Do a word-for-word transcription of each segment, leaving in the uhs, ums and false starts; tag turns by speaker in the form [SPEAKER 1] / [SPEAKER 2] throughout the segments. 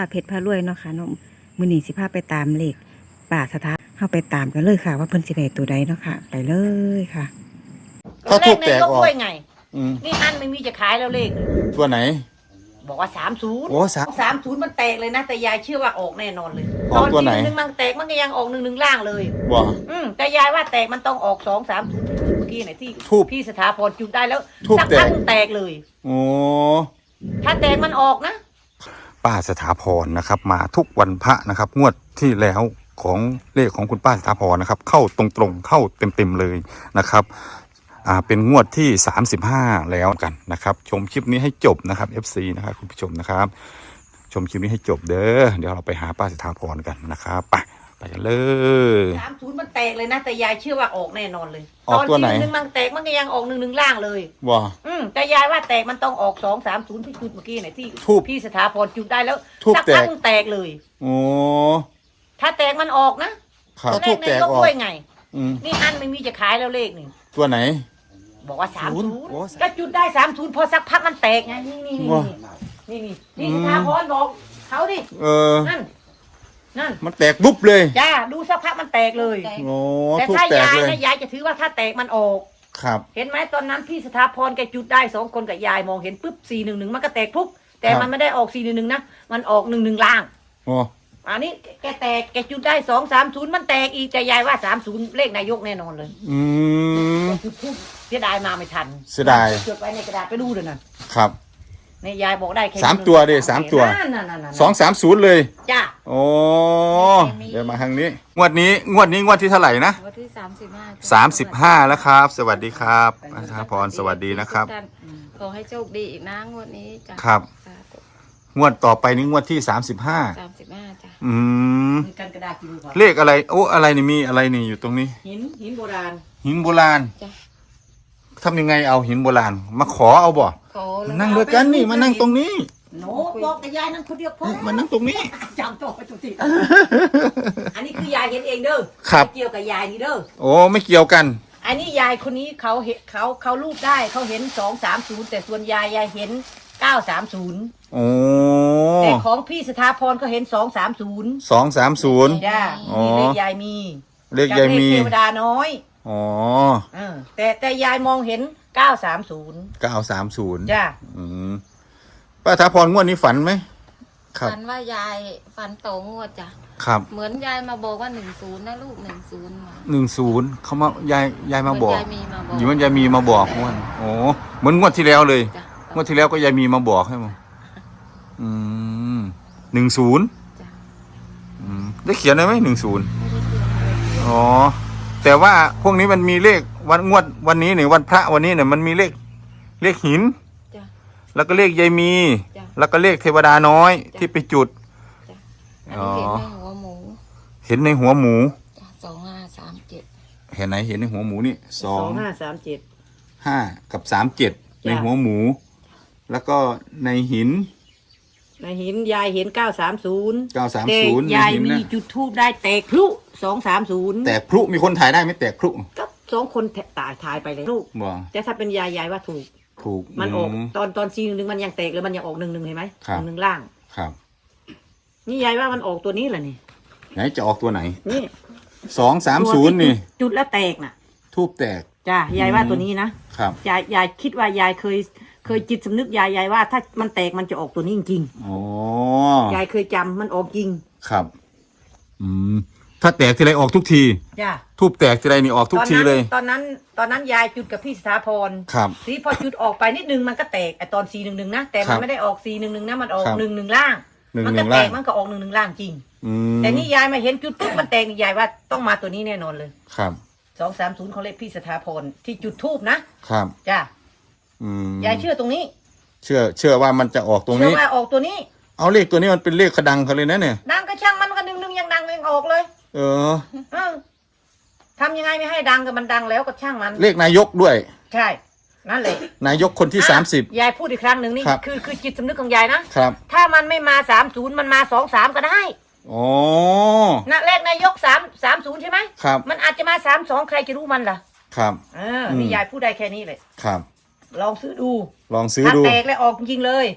[SPEAKER 1] เพชรพารวยเนาะค่ะเนาะมื้อนี้สิพาไปตามเลขป่าสถานเฮาไปตามกันเลยค่ะ ว่าเพิ่นสิได้ตัวใดเนาะค่ะไปเลยค่ะ
[SPEAKER 2] ถ้าทูบแตกออก
[SPEAKER 3] ไง
[SPEAKER 2] อืม
[SPEAKER 3] นี่อันไม่มีจะขายแล้วเลข
[SPEAKER 2] ตัวไหน
[SPEAKER 3] บอกว่าสามศูนย์
[SPEAKER 2] โอ้สาม
[SPEAKER 3] สามศูนย์มันแตกเลยนะแต่ยายเชื่อว่าออกแน่นอนเลย
[SPEAKER 2] ออกตัวไหน
[SPEAKER 3] ตอนที่หนึ่งมันแตกมันก็ยังออกหนึ่งหนึ่งล่างเลย
[SPEAKER 2] บ่
[SPEAKER 3] อืมแต่ยายว่าแตกมันต้องออกสองสามเมื่อกี้ไหนที่
[SPEAKER 2] ทูบ
[SPEAKER 3] พี่สถาพรจุดได้แล้ว
[SPEAKER 2] ทูบ
[SPEAKER 3] สัก
[SPEAKER 2] แตก
[SPEAKER 3] พักแตกเลย
[SPEAKER 2] โอ้
[SPEAKER 3] ถ้าแตกมันออกนะ
[SPEAKER 2] ป้าสถาพรนะครับ มาทุกวันพระนะครับ งวดที่แล้วของเลขของคุณป้าสถาพรนะครับ เข้าตรงๆเข้าเต็มๆเลยนะครับอ่าเป็นงวดที่สามสิบห้าแล้วกันนะครับ ชมคลิปนี้ให้จบนะครับ เอฟ ซี นะครับคุณผู้ชมนะครับ ชมคลิปนี้ให้จบเด้อเดี๋ยวเราไปหาป้าสถาพรกันนะครับไปไปกันเลย
[SPEAKER 3] สามศูนย์มันแตกเลยนะแต่ยายเชื่อว่าออกแน่นอนเลย
[SPEAKER 2] ออกตัวไหน
[SPEAKER 3] ตอนที่หนึ่งมันแตกมันก็ยังออกหนึ่งหนึ่งล่างเลย
[SPEAKER 2] บ่
[SPEAKER 3] อืมแต่ยายว่าแตกมันต้องออกสองสามศูนย์ที่จุดเมื่อกี้ไหนที่
[SPEAKER 2] ทูบ
[SPEAKER 3] พี่สถาพรจุดได้แล้ว
[SPEAKER 2] ทูบ
[SPEAKER 3] สัก
[SPEAKER 2] แต
[SPEAKER 3] พั
[SPEAKER 2] ก
[SPEAKER 3] กแตกเลย
[SPEAKER 2] โอ้
[SPEAKER 3] ถ้าแตกมันออกนะครับ
[SPEAKER 2] ทูบแตกออก
[SPEAKER 3] ด้วยไง
[SPEAKER 2] อืม
[SPEAKER 3] นี่อันไม่มีจะขายแล้วเลขนี่
[SPEAKER 2] ตัวไหน
[SPEAKER 3] บอกว่าสาม
[SPEAKER 2] ศู
[SPEAKER 3] ศู
[SPEAKER 2] น
[SPEAKER 3] น
[SPEAKER 2] ย์
[SPEAKER 3] ย์
[SPEAKER 2] โอ้
[SPEAKER 3] ก็จุดได้สามศูนย์พอสักพักมันแตกไงนี่นี่นี่
[SPEAKER 2] ว้า
[SPEAKER 3] นี่นี่นี่สถาพรบอกเขาดิ
[SPEAKER 2] เออ
[SPEAKER 3] นั่นนั่น
[SPEAKER 2] มันแตกบุ๊บเลย
[SPEAKER 3] จ้าดูสักพักมันแตกเลย
[SPEAKER 2] โอ้
[SPEAKER 3] แต่
[SPEAKER 2] ทูบ
[SPEAKER 3] ถ้า
[SPEAKER 2] แตก
[SPEAKER 3] ยาย
[SPEAKER 2] เลย
[SPEAKER 3] นะยายจะถือว่าถ้าแตกมันออก
[SPEAKER 2] ครับ
[SPEAKER 3] เห็นไหมตอนนั้นพี่สถาพรแกจุดได้สองคนกับยายมองเห็นปุ๊บสี่หนึ่งหนึ่งมันก็แตกปุ๊บแต่
[SPEAKER 2] ครับ
[SPEAKER 3] มันไม่ได้ออกสี่หนึ่งหนึ่งนะมันออกหนึ่งหนึ่งล่าง
[SPEAKER 2] โอ้
[SPEAKER 3] อันนี้แกแตกแกจุดได้สองสามศูนย์มันแตกอีกแต่ยายว่าสามศูนย์เลขนายกแน่นอนเลย
[SPEAKER 2] อืม
[SPEAKER 3] จุดทูบเสียดายมาไม่ทัน
[SPEAKER 2] เสียดาย
[SPEAKER 3] จดไว้ในกระดาษไปดูเลยนะครับ ในยายบอกได้แค่
[SPEAKER 2] สามตัวดิสามตัว
[SPEAKER 3] นั่นนั่นนั่นนั่น
[SPEAKER 2] สองสามศูนย์เลย
[SPEAKER 3] จ้า
[SPEAKER 2] โอ้เดี๋ยวมาทางนี้ งวดนี้ งวดนี้ งวดที่เท่าไหร่นะ
[SPEAKER 4] วันที่สามสิบห้า
[SPEAKER 2] สามสิบห้าแล้วครับ สวัสดีครับอาชาพร สวัสดีนะครับ
[SPEAKER 4] ขอให้โชคดีอีกนะงวดนี้จ้ะ
[SPEAKER 2] ครับ งวดต่อไปนี้งวดที่สามสิบห้า
[SPEAKER 4] สามสิบห้าจ้ะ
[SPEAKER 2] อืม
[SPEAKER 3] มีกันกระดาษกินก่อน
[SPEAKER 2] เลขอะไร โอ้ อะไรนี่มีอะไรนี่อยู่ตรงนี้
[SPEAKER 3] หินหินโบราณ
[SPEAKER 2] หินโบราณ
[SPEAKER 4] จ้ะ
[SPEAKER 2] ทำยังไงเอาหินโบราณ มาขอเอาบ่
[SPEAKER 4] ขอแล้ว
[SPEAKER 2] นั่งด้วยกันนี่ มานั่งตรงนี้
[SPEAKER 3] โน้บอกแต่ยายนั่นคนเดียวพอ
[SPEAKER 2] มานั่งตรงนี้
[SPEAKER 3] จำตัวไปทุกทีอันนี้คือยายเห็นเองเด้อ
[SPEAKER 2] ครับ
[SPEAKER 3] ไม่เกี่ยวกับยายนี่เด้อ
[SPEAKER 2] โอ้ ไม่เกี่ยวกัน
[SPEAKER 3] อันนี้ยายคนนี้เขาเห็นเขาเขารูปได้เขาเห็นสองสามศูนย์แต่ส่วนยายยายเห็นเก้าสามศูนย์
[SPEAKER 2] โอ้
[SPEAKER 3] แต่ของพี่สถาพรเขาเห็นสองสามศูนย์
[SPEAKER 2] สองสามศูนย์
[SPEAKER 3] จ้า
[SPEAKER 2] อ๋อ
[SPEAKER 3] นี่เลขยายมี
[SPEAKER 2] เลขยายมี
[SPEAKER 3] กับเลขเทวดาน้อย
[SPEAKER 2] อ๋อ
[SPEAKER 3] เออแต่แต่ยายมองเห็นเก้าสามศูนย์
[SPEAKER 2] เก้าสามศูนย์
[SPEAKER 3] จ้า
[SPEAKER 2] อืมป้าถาพรงวดนี้ฝันไหม ครับ
[SPEAKER 4] ฝันว่ายายฝันโตงวดจ้ะ
[SPEAKER 2] ครับ
[SPEAKER 4] เหมือนยายมาบอกว่าหนึ่งศูนย์นะลูกหนึ่งศูนย์มา
[SPEAKER 2] หนึ่งศูนย์เขามายายยายมาบอก
[SPEAKER 4] ยายมีมาบอก
[SPEAKER 2] อยู่มันยายมีมาบอกงวดโอ้เหมือนงวดที่แล้วเลย
[SPEAKER 4] จ้ะ
[SPEAKER 2] งวดที่แล้วก็ยายมีมาบอกให้มั้งอืมหนึ่งศูนย์
[SPEAKER 4] จ้ะ
[SPEAKER 2] อืมได้เขียนได้ไหมหนึ่งศูนย์
[SPEAKER 4] ไม่ได้เขียนเลย
[SPEAKER 2] อ๋อแต่ว่าพวกนี้มันมีเลขวันงวดวันนี้เนี่ยวันพระวันนี้เนี่ยมันมีเลขเลขหิน
[SPEAKER 4] จ้ะ
[SPEAKER 2] แล้วก็เลขยายมี
[SPEAKER 4] จ้ะ
[SPEAKER 2] แล้วก็เลขเทวดาน้อย
[SPEAKER 4] จ้ะ
[SPEAKER 2] ที่ไปจุด
[SPEAKER 4] จ้ะอันนี้เห็นในหัวหมู
[SPEAKER 2] เห็นในหัวหมู
[SPEAKER 4] จ้ะสองห้าสามเจ็ด
[SPEAKER 2] เห็นไหนเห็นในหัวหมูนี่สอง
[SPEAKER 3] ห้าสามเจ็ด
[SPEAKER 2] ห้ากับสามเจ็ดในหัวหมู แล้วก็ในหิน
[SPEAKER 3] ในหินยายเห็นเก้าสามศูนย์
[SPEAKER 2] เก้าสาม
[SPEAKER 3] แต่
[SPEAKER 2] ศูนย์
[SPEAKER 3] ยาย
[SPEAKER 2] ในหิน
[SPEAKER 3] มี
[SPEAKER 2] นะ
[SPEAKER 3] จุดทูบได้แตกพลุสองสามศูนย์
[SPEAKER 2] แตกพลุมีคนถ่ายได้ไหมแตกพลุ
[SPEAKER 3] ก็สองคนตายทายไปเลยลูก
[SPEAKER 2] บ่
[SPEAKER 3] แต่ถ้าเป็นยายยายว่าถูก
[SPEAKER 2] ถูก
[SPEAKER 3] มันออก
[SPEAKER 2] ม
[SPEAKER 3] ตอนตอนซีหนึ่งมันยังแตกเลยมันยังออกหนึ่งหนึ่งเห็นไหม
[SPEAKER 2] ครับ
[SPEAKER 3] หนึ่งล่าง
[SPEAKER 2] ครับ
[SPEAKER 3] นี่ยายว่ามันออกตัวนี้แหละนี่
[SPEAKER 2] ไหนจะออกตัวไหน
[SPEAKER 3] นี่
[SPEAKER 2] สองสามศูนย์นี่
[SPEAKER 3] จุดแล้วแตกน่ะ
[SPEAKER 2] ทูบแตก
[SPEAKER 3] จ้ายายว่าตัวนี้นะครับ ยายยายคิดว่ายายเคยเคยจิตสำนึกยายยายว่า ถ้ามันแตกมันจะออกตัวนี้จริง
[SPEAKER 2] อ๋อ
[SPEAKER 3] ๆยายเคยจำมันออกจริง
[SPEAKER 2] ครับ อืมถ้าแตกทีไรออกทุกที
[SPEAKER 3] จ้า
[SPEAKER 2] ทูบแตกทีไรนี่ออกทุกทีเลย
[SPEAKER 3] ตอนนั้นตอนนั้นยายจุดกับพี่สถาพร
[SPEAKER 2] ครับ
[SPEAKER 3] ทีพอจุดออกไปนิดนึงมันก็แตกไอตอนซีหนึ่งหนึ่งนะแต่
[SPEAKER 2] ครั
[SPEAKER 3] มัน
[SPEAKER 2] บ
[SPEAKER 3] ไม่ได้ออกซีหนึ่งหนึ่งนะมันออก
[SPEAKER 2] ครับ
[SPEAKER 3] หนึ่งหนึ่งล่าง
[SPEAKER 2] หนึ่ง
[SPEAKER 3] มั
[SPEAKER 2] ห
[SPEAKER 3] ก็
[SPEAKER 2] นึ่ง
[SPEAKER 3] แต
[SPEAKER 2] ล่าง
[SPEAKER 3] กมันก็ออกหนึ่งหนึ่งล่างจริง
[SPEAKER 2] อืม
[SPEAKER 3] แต่นี่ยายมาเห็นจุดปุ๊บมันแตกนี่ยายว่าต้องมาตัวนี้แน่นอนเลย
[SPEAKER 2] ครับ
[SPEAKER 3] สองสามศูนย์เขาเลขพี่สถาพรที่จุดทูบนะครับ จ้า
[SPEAKER 2] อืม
[SPEAKER 3] ยายเชื่อตรงนี้
[SPEAKER 2] เชื่อ เชื่อว่ามันจะออกตรง
[SPEAKER 3] เชื่อ
[SPEAKER 2] นี้
[SPEAKER 3] ว่าออกตัวนี้
[SPEAKER 2] เอาเลขตัวนี้มันเป็นเลขขดังเขาเลยนะเนี่ย
[SPEAKER 3] ดังก็ช่างมันก็หนึ่งหนึ่งยังดังยังออกเลย
[SPEAKER 2] เออ
[SPEAKER 3] เออทำยังไงไม่ให้ดังก็มันดังแล้วก็ช่างมัน
[SPEAKER 2] เลขนายกด้วย
[SPEAKER 3] ใช่นั่นเลย
[SPEAKER 2] นายกคนที่
[SPEAKER 3] อ่ะ
[SPEAKER 2] สามสิบ
[SPEAKER 3] ยายพูดอีกครั้งหนึ่งนี่
[SPEAKER 2] ครับ
[SPEAKER 3] คือคือจิตสำนึกของยายนะครับ ถ้ามันไม่มาสามศูนย์มันมาสองสามก็ได้
[SPEAKER 2] อ๋อ
[SPEAKER 3] นะเลขนายกสามสามศูนย์ใช่ไหม
[SPEAKER 2] ครับ
[SPEAKER 3] มันอาจจะมาสามสองใครจะรู้มันล่ะ
[SPEAKER 2] ครับ
[SPEAKER 3] เออนี่
[SPEAKER 2] อืม
[SPEAKER 3] ยายพูดได้แค่นี้เลย
[SPEAKER 2] ครับ
[SPEAKER 3] ลองซื้อดู
[SPEAKER 2] ลองซื้อ
[SPEAKER 3] ถ้า
[SPEAKER 2] ดู
[SPEAKER 3] แตกแล้วออกจริงๆเลย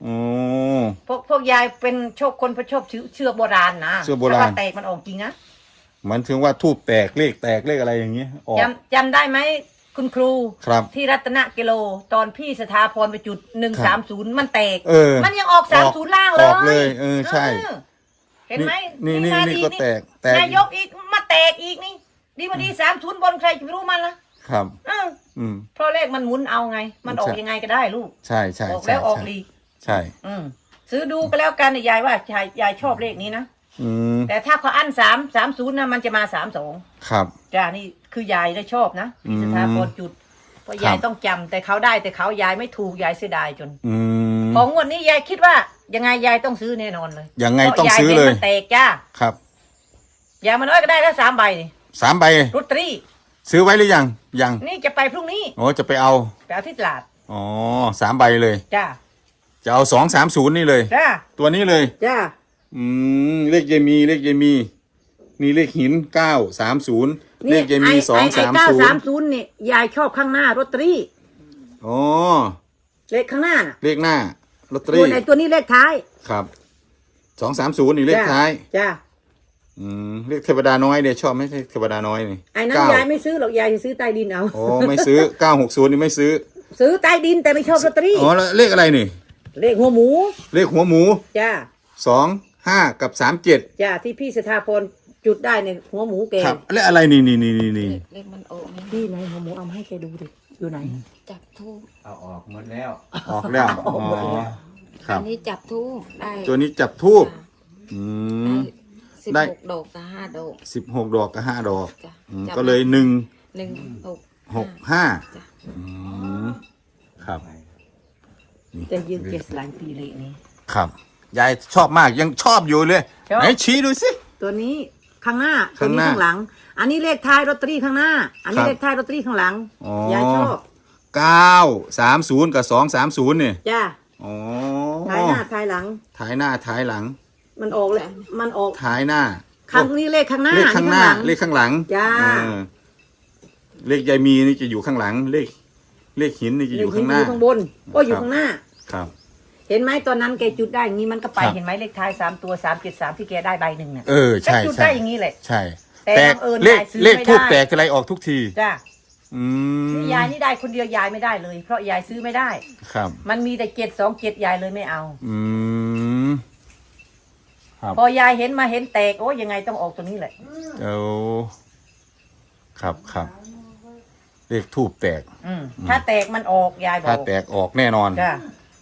[SPEAKER 2] โอ้
[SPEAKER 3] พวกพวกยายเป็นโชคคนพระชอบเชื่อเชื่อโบราณนะ
[SPEAKER 2] เชื่อโบราณ
[SPEAKER 3] แต่ว่าแตกมันออกจริงนะ
[SPEAKER 2] หมันถึงว่าทูบแตกเลขแตกเลขอะไรอย่างเงี้ยออก
[SPEAKER 3] จำจำได้ไหมคุณครู
[SPEAKER 2] ครับ
[SPEAKER 3] ที่รัตนกิโลตอนพี่สถาพรไปจุดหนึ่ง
[SPEAKER 2] ครั
[SPEAKER 3] สาม
[SPEAKER 2] บ
[SPEAKER 3] ศูนย์มันแตก
[SPEAKER 2] เออ
[SPEAKER 3] มันยังออกสามศูนย์ล่างเลย
[SPEAKER 2] ออกเลยเออใช่
[SPEAKER 3] เออเห็นไหม
[SPEAKER 2] นี่นี่
[SPEAKER 3] มา
[SPEAKER 2] นี่
[SPEAKER 3] ดี
[SPEAKER 2] ก็แตกแตก
[SPEAKER 3] นายกอีกมาแตกอีกนี่ ดีมาดีสามศูนย์บนใครจะไปรู้มันละ
[SPEAKER 2] ครับ
[SPEAKER 3] เออ
[SPEAKER 2] อืม
[SPEAKER 3] เพราะเลขมันหมุนเอาไง มันออก
[SPEAKER 2] ใช่
[SPEAKER 3] ยังไงก็ได้ลูก
[SPEAKER 2] ใช่ใช่
[SPEAKER 3] ออก
[SPEAKER 2] ใช่
[SPEAKER 3] แล้วออก
[SPEAKER 2] ใช่
[SPEAKER 3] ลีก
[SPEAKER 2] ใช่
[SPEAKER 3] อืมซื้อดูก็แล้วกันยายว่ายายยายชอบเลขนี้นะ
[SPEAKER 2] อืม
[SPEAKER 3] แต่ถ้าเขาอั้นสามสามศูนย์นะมันจะมาสามสอง
[SPEAKER 2] ครับ
[SPEAKER 3] จ้านี่คือยายได้ชอบนะพี่สถาพรจุดเพราะ
[SPEAKER 2] ครับ
[SPEAKER 3] ยายต้องจำแต่เขาได้แต่เขายายไม่ถูกยายเสียดายจน
[SPEAKER 2] อืม
[SPEAKER 3] ของงวดนี้ยายคิดว่ายังไงยายต้องซื้อแน่นอนเลย
[SPEAKER 2] ยังไง
[SPEAKER 3] พราะ
[SPEAKER 2] ต้องซื้อเลย
[SPEAKER 3] าห็นมันแตกจ้า
[SPEAKER 2] ครับ
[SPEAKER 3] อย่างมันน้อยก็ได้แล้วสามใบนี่
[SPEAKER 2] สามใบ
[SPEAKER 3] ลอตเตอรี่
[SPEAKER 2] ซื้อไว้หรือยังยัง
[SPEAKER 3] นี่จะไปพรุ่งนี้
[SPEAKER 2] โอ้จะไปเอา
[SPEAKER 3] ไปเอาที่ตลาด
[SPEAKER 2] อ๋อสามใบเลย
[SPEAKER 3] จ้า
[SPEAKER 2] จะเอาสองสามศูนย์นี่เลย
[SPEAKER 3] จ้า
[SPEAKER 2] ตัวนี้เลย
[SPEAKER 3] จ้า
[SPEAKER 2] อืมเลขยายมีเลขยายมีนี่เลขหินเก้าสามศูนย์เลขยายมีสองสาม
[SPEAKER 3] เก้า
[SPEAKER 2] ศูน
[SPEAKER 3] สาม
[SPEAKER 2] ย์
[SPEAKER 3] ศูนย์เนี่ยยายชอบข้างหน้าลอตเตอรี่
[SPEAKER 2] อ๋อ
[SPEAKER 3] เลขข้างหน้าน่ะ
[SPEAKER 2] เลขหน้าลอตเตอ
[SPEAKER 3] ตั
[SPEAKER 2] รี่
[SPEAKER 3] วไหนตัวนี้เลขท้าย
[SPEAKER 2] ครับสองสามศูนย์นี่เลข
[SPEAKER 3] จ้า
[SPEAKER 2] ท้าย
[SPEAKER 3] จ้า
[SPEAKER 2] อืมเลขเทวดาน้อยเนี่ยชอบไหมเลขเทวดาน้อยนี่
[SPEAKER 3] ไอ้นั้น
[SPEAKER 2] เก้าย
[SPEAKER 3] ายไม่ซื้อหรอกยายจะซื้อใต้ดินเอา
[SPEAKER 2] โอ้ไม่ซื้อเก้าหกศูนย์นี่ไม่ซื้อ
[SPEAKER 3] ซื้อใต้ดินแต่ไม่ชอบลอตเตอรี่
[SPEAKER 2] อ๋อแล้วเลขอะไรนี่
[SPEAKER 3] เลขหัวหมู
[SPEAKER 2] เลขหัวหมู
[SPEAKER 3] จ้า
[SPEAKER 2] สองห้ากับสามเจ็ด
[SPEAKER 3] จ้าที่พี่สถาพรจุดได้ในหัวหมูแก
[SPEAKER 2] ครับและอะไรนี่นี่นี่นี่นี่
[SPEAKER 4] เลขเลขมันออกนี่
[SPEAKER 3] พี่ไหนหัวหมูเอามาให้แกดูดิอยู่ไหน
[SPEAKER 4] จับทูบ
[SPEAKER 5] เอาออกหมดแล้ว
[SPEAKER 2] ออกแล้วอ๋อครั
[SPEAKER 4] อั
[SPEAKER 2] บ
[SPEAKER 4] นนี้จับทูบได้
[SPEAKER 2] ตัวนี้จับทูบอืม
[SPEAKER 4] สิบ
[SPEAKER 2] ได้
[SPEAKER 4] หกดอกกับห้าดอก
[SPEAKER 2] สิบหกดอกกับห้าดอก
[SPEAKER 4] จ้ะ
[SPEAKER 2] อืม
[SPEAKER 4] จับ
[SPEAKER 2] ก็เลยหนึ่ง
[SPEAKER 4] หนึ่งหก
[SPEAKER 2] หกห้า
[SPEAKER 4] จ้ะ
[SPEAKER 2] อืมครับ
[SPEAKER 3] จะยืนเกสหลายปีเลยนี้
[SPEAKER 2] ครับยายชอบมากยังชอบอยู่เลย
[SPEAKER 3] ชอบ
[SPEAKER 2] ไหนชี้ดูสิ
[SPEAKER 3] ตัวนี้ข้างหน้าตัว
[SPEAKER 2] ข้าง
[SPEAKER 3] นี้
[SPEAKER 2] หน้า
[SPEAKER 3] ข้างหลัง อันนี้เลขท้ายลอตเตอรี่ข้างหน้า อันนี้
[SPEAKER 2] ครับ
[SPEAKER 3] เลขท้ายลอตเตอรี่ข้างหลัง
[SPEAKER 2] อ๋อ
[SPEAKER 3] ยายชอบ
[SPEAKER 2] เก้าสามศูนย์กับสองสามศูนย์เนี่ย
[SPEAKER 3] จ้า
[SPEAKER 2] อ๋อ
[SPEAKER 3] ท้ายหน้าท้ายหลัง
[SPEAKER 2] ท้ายหน้าท้ายหลัง
[SPEAKER 3] มันออกเลยมันออก
[SPEAKER 2] ท้ายหน้า
[SPEAKER 3] ข้างนี้เลขข้างหน้า
[SPEAKER 2] เลขข้างหน้า
[SPEAKER 3] อั
[SPEAKER 2] เลขข้างหลัง
[SPEAKER 3] จ้า
[SPEAKER 2] เออเลขยายมีนี่จะอยู่ข้างหลัง เลข เลขหินนี่จะ
[SPEAKER 3] เล
[SPEAKER 2] อ
[SPEAKER 3] ข
[SPEAKER 2] ยู่
[SPEAKER 3] หิ
[SPEAKER 2] ข้าน งหน้า
[SPEAKER 3] อยู่ข้างบนโอ้ยอยู่
[SPEAKER 2] ครับ
[SPEAKER 3] ข้างหน้า
[SPEAKER 2] ครับ
[SPEAKER 3] เห็นไหมตอนนั้นแกจุดได้อย่างนี้มันก็ไป
[SPEAKER 2] ครับ
[SPEAKER 3] เห็นไหมเลขท้ายสามตัวสามเจ็ดสามที่แกได้ใบหนึ่งเนี่ย
[SPEAKER 2] เออใช่
[SPEAKER 3] แกจุด
[SPEAKER 2] ใช่
[SPEAKER 3] ได้อย่างนี้แหละ
[SPEAKER 2] ใช่
[SPEAKER 3] แต่
[SPEAKER 2] แตก
[SPEAKER 3] บังเอิญ
[SPEAKER 2] เลข
[SPEAKER 3] ยายซื้อ
[SPEAKER 2] เลข
[SPEAKER 3] ไม่
[SPEAKER 2] ทูบ
[SPEAKER 3] ได้
[SPEAKER 2] แตกอะไรออกทุกที
[SPEAKER 3] จ้า
[SPEAKER 2] อืม
[SPEAKER 3] ยายนี่ได้คนเดียวยายไม่ได้เลย เพราะยายซื้อไม่ได้
[SPEAKER 2] ครับ
[SPEAKER 3] มันมีแต่เจ็ดสองเจ็ดยายเลยไม่เอา
[SPEAKER 2] อืมครับ
[SPEAKER 3] พอยายเห็นมาเห็นแตกโอ้ยยังไงต้องออกตัวนี้แหละ
[SPEAKER 2] เอาครับครับเลขทูบแตก
[SPEAKER 3] อืมถ้าแตกมันออกยายบอ
[SPEAKER 2] ถ้าก แตกออกแน่นอน
[SPEAKER 3] จ้าย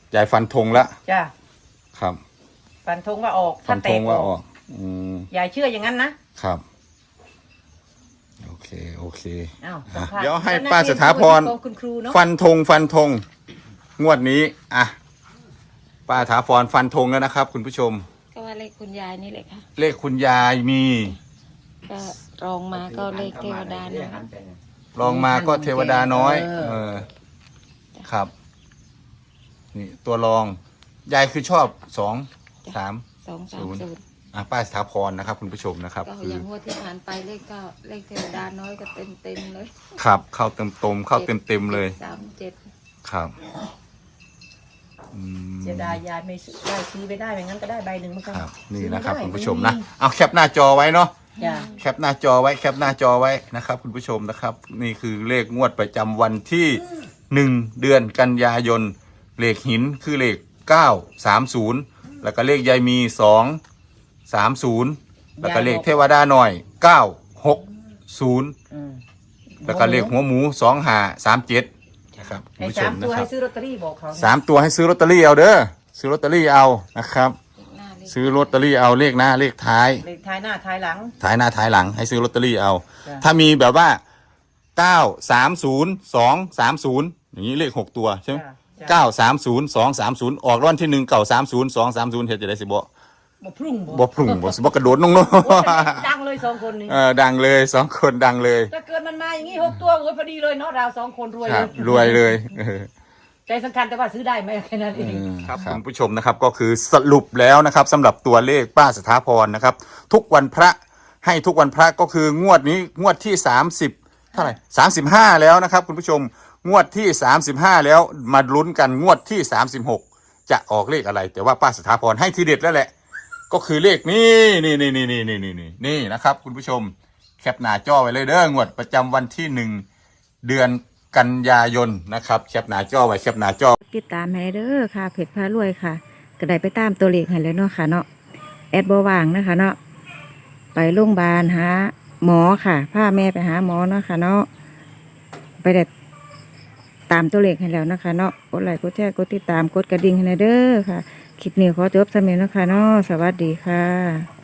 [SPEAKER 2] ายฟันธงละ
[SPEAKER 3] จ้า
[SPEAKER 2] ครับ
[SPEAKER 3] ฟันธงว่าออก
[SPEAKER 2] ฟั
[SPEAKER 3] ถ้าน แต
[SPEAKER 2] ธ
[SPEAKER 3] ก
[SPEAKER 2] ง
[SPEAKER 3] อ
[SPEAKER 2] ว่าอ
[SPEAKER 3] อ
[SPEAKER 2] อก ก อืม
[SPEAKER 3] ยายเชื่ออย่างนั้นนะครับ
[SPEAKER 2] โอเค โอเค
[SPEAKER 3] อ้าว
[SPEAKER 2] อ่ะ
[SPEAKER 3] สัมภาษณ์
[SPEAKER 2] เดี๋ยวให้
[SPEAKER 3] แล้วนัก
[SPEAKER 2] ป้า
[SPEAKER 3] เรียน
[SPEAKER 2] สถาพร
[SPEAKER 3] ของคุณครูเนาะ
[SPEAKER 2] ฟันธงฟันธงงวดนี้ อ่ะ ป้าสถาพรฟันธงแล้วนะครับ คุณผู้ชม
[SPEAKER 4] ก็ว่าเลขคุณยายนี่แหละค่ะ
[SPEAKER 2] เลขคุณยายมี
[SPEAKER 4] ก็รองมาก็เลขเทวดานะ
[SPEAKER 5] หั
[SPEAKER 4] คะ
[SPEAKER 5] นไปเนี่ย
[SPEAKER 2] ลองมาก็เทวดาน้อย
[SPEAKER 3] เออ
[SPEAKER 2] เออ ครับ นี่ตัวรอง ยายคือชอบสองสาม
[SPEAKER 4] สองสาม
[SPEAKER 2] ศูนย์
[SPEAKER 4] ศูนย์
[SPEAKER 2] อ่ะป้าสถาพรนะครับ คุณผู้ชมนะครับ
[SPEAKER 4] ก็
[SPEAKER 2] คือ
[SPEAKER 4] อย่างงวดที่ผ่านไปเลขก็เลขเทวดาน้อยก็เต็มเต็มๆเลย
[SPEAKER 2] ครับ เข้าเต็มตมเข้าเต็มเต็มๆเลย
[SPEAKER 4] สามเจ็ด
[SPEAKER 2] ครับอืม
[SPEAKER 3] เสียดายยายไม่ซื้อได้ซื้อไม่ได้ไม่งั้นก็ได้ใบหนึ่งเหมือนกัน
[SPEAKER 2] ครับ นี่
[SPEAKER 3] ซื้อไ
[SPEAKER 2] นะครับ
[SPEAKER 3] ได้
[SPEAKER 2] คุณผู้ชมนะ เอาแคปหน้าจอไว้เนาะ
[SPEAKER 3] จ้า
[SPEAKER 2] แคปหน้าจอไว้แคปหน้าจอไว้นะครับ คุณผู้ชมนะครับ นี่คือเลขงวดประจำวันที่หนึ่งเดือนกันยายนเลขหินคือเลขเก้าสามศูนย์แล้วก็เลขยายมีสองสามศูนย์แล้วก็เลขเทวดาหน่อยเก้าหกศูนย์
[SPEAKER 3] อืม
[SPEAKER 2] แล้วก็เลขหัวหมูสองห้าสามเจ็ดนะครับคุณ
[SPEAKER 3] ให้
[SPEAKER 2] ผู้ช
[SPEAKER 3] สาม ม
[SPEAKER 2] นะ
[SPEAKER 3] ตัว
[SPEAKER 2] ค
[SPEAKER 3] ให้
[SPEAKER 2] รับ
[SPEAKER 3] ซื้อลอตเตอรี่บอกเขานะ
[SPEAKER 2] สามตัวให้ซื้อลอตเตอรี่เอาเด้อซื้อลอตเตอรี่เอานะครับ
[SPEAKER 4] เลขหน้าเลข
[SPEAKER 2] ซื้อลอตเตอรี่เอาเลขหน้าเลขท้าย
[SPEAKER 3] เลขท้ายหน้าท้ายหลัง
[SPEAKER 2] ท้ายหน้าท้ายหลังให้ซื้อลอตเตอรี่เอา
[SPEAKER 3] จ้ะ
[SPEAKER 2] ถ้ามีแบบว่าเก้าสามศูนย์สองสามศูนย์อย่างนี้เลขหกตัวใช่ไหม
[SPEAKER 3] จ้ะจ้ะ
[SPEAKER 2] เก้าสามศูนย์สองสามศูนย์ออกรางวัลที่หนึ่งเก้าสามศูนย์สองสามศูนย์เฮ็ดจะได้สิบ่
[SPEAKER 3] บ่พรุ่ง
[SPEAKER 2] บ่พรุ่งบ่สิบ่กระโดดน้อง
[SPEAKER 3] โอ้ยดังเลยสองคนนี้
[SPEAKER 2] ๆเออดังเลยสองคนดังเลย
[SPEAKER 3] ถ้าเกิดมันมาอย่างนี้หกตัวโอ้ยพอดีเลยเนาะเราสองคนรวย
[SPEAKER 2] ค
[SPEAKER 3] เล
[SPEAKER 2] รับ
[SPEAKER 3] ย
[SPEAKER 2] รวยเลยเออ
[SPEAKER 3] ใจสำคัญแต่ว่าซื้อได้ไหมแค่นั้นเอง
[SPEAKER 2] ครับคุณผู้ชมนะครับก็คือสรุปแล้วนะครับสำหรับตัวเลขป้าสถาพรนะครับ ทุกวันพระให้ทุกวันพระก็คืองวดนี้งวดที่สามสิบเท่าไหร่สามสิบห้าแล้วนะครับคุณผู้ชมงวดที่สามสิบห้าแล้วมาลุ้นกันงวดที่สามสิบหกจะออกเลขอะไร แต่ว่าป้าสถาพรให้ทีเด็ดแล้วแหละก็คือเลขนี้นี่นี่นี่นี่นี่นี่นี่นี่นะครับคุณผู้ชมแคปหน้าจอไว้เลยเด้องวดประจำวันที่หนึ่งเดือนกันยายนนะครับแคปหน้าจอไว้แคปหน้าจอ
[SPEAKER 1] ติดตามให้เด้อค่ะเพจพารวยค่ะก็ได้ไปตามตัวเลขให้แล้วเนาะค่ะเนาะแอดบ่ว่างนะคะเนาะไปโรงพยาบาลหาหมอค่ะพาแม่ไปหาหมอเนาะค่ะเนาะไปได้ตามตัวเลขให้แล้วนะคะเนาะกดไลค์กดแชร์กดติดตามกดกระดิ่งให้เด้อค่ะคลิปนี้ขอจบสำเร็จเนาะค่ะเนาะสวัสดีค่ะ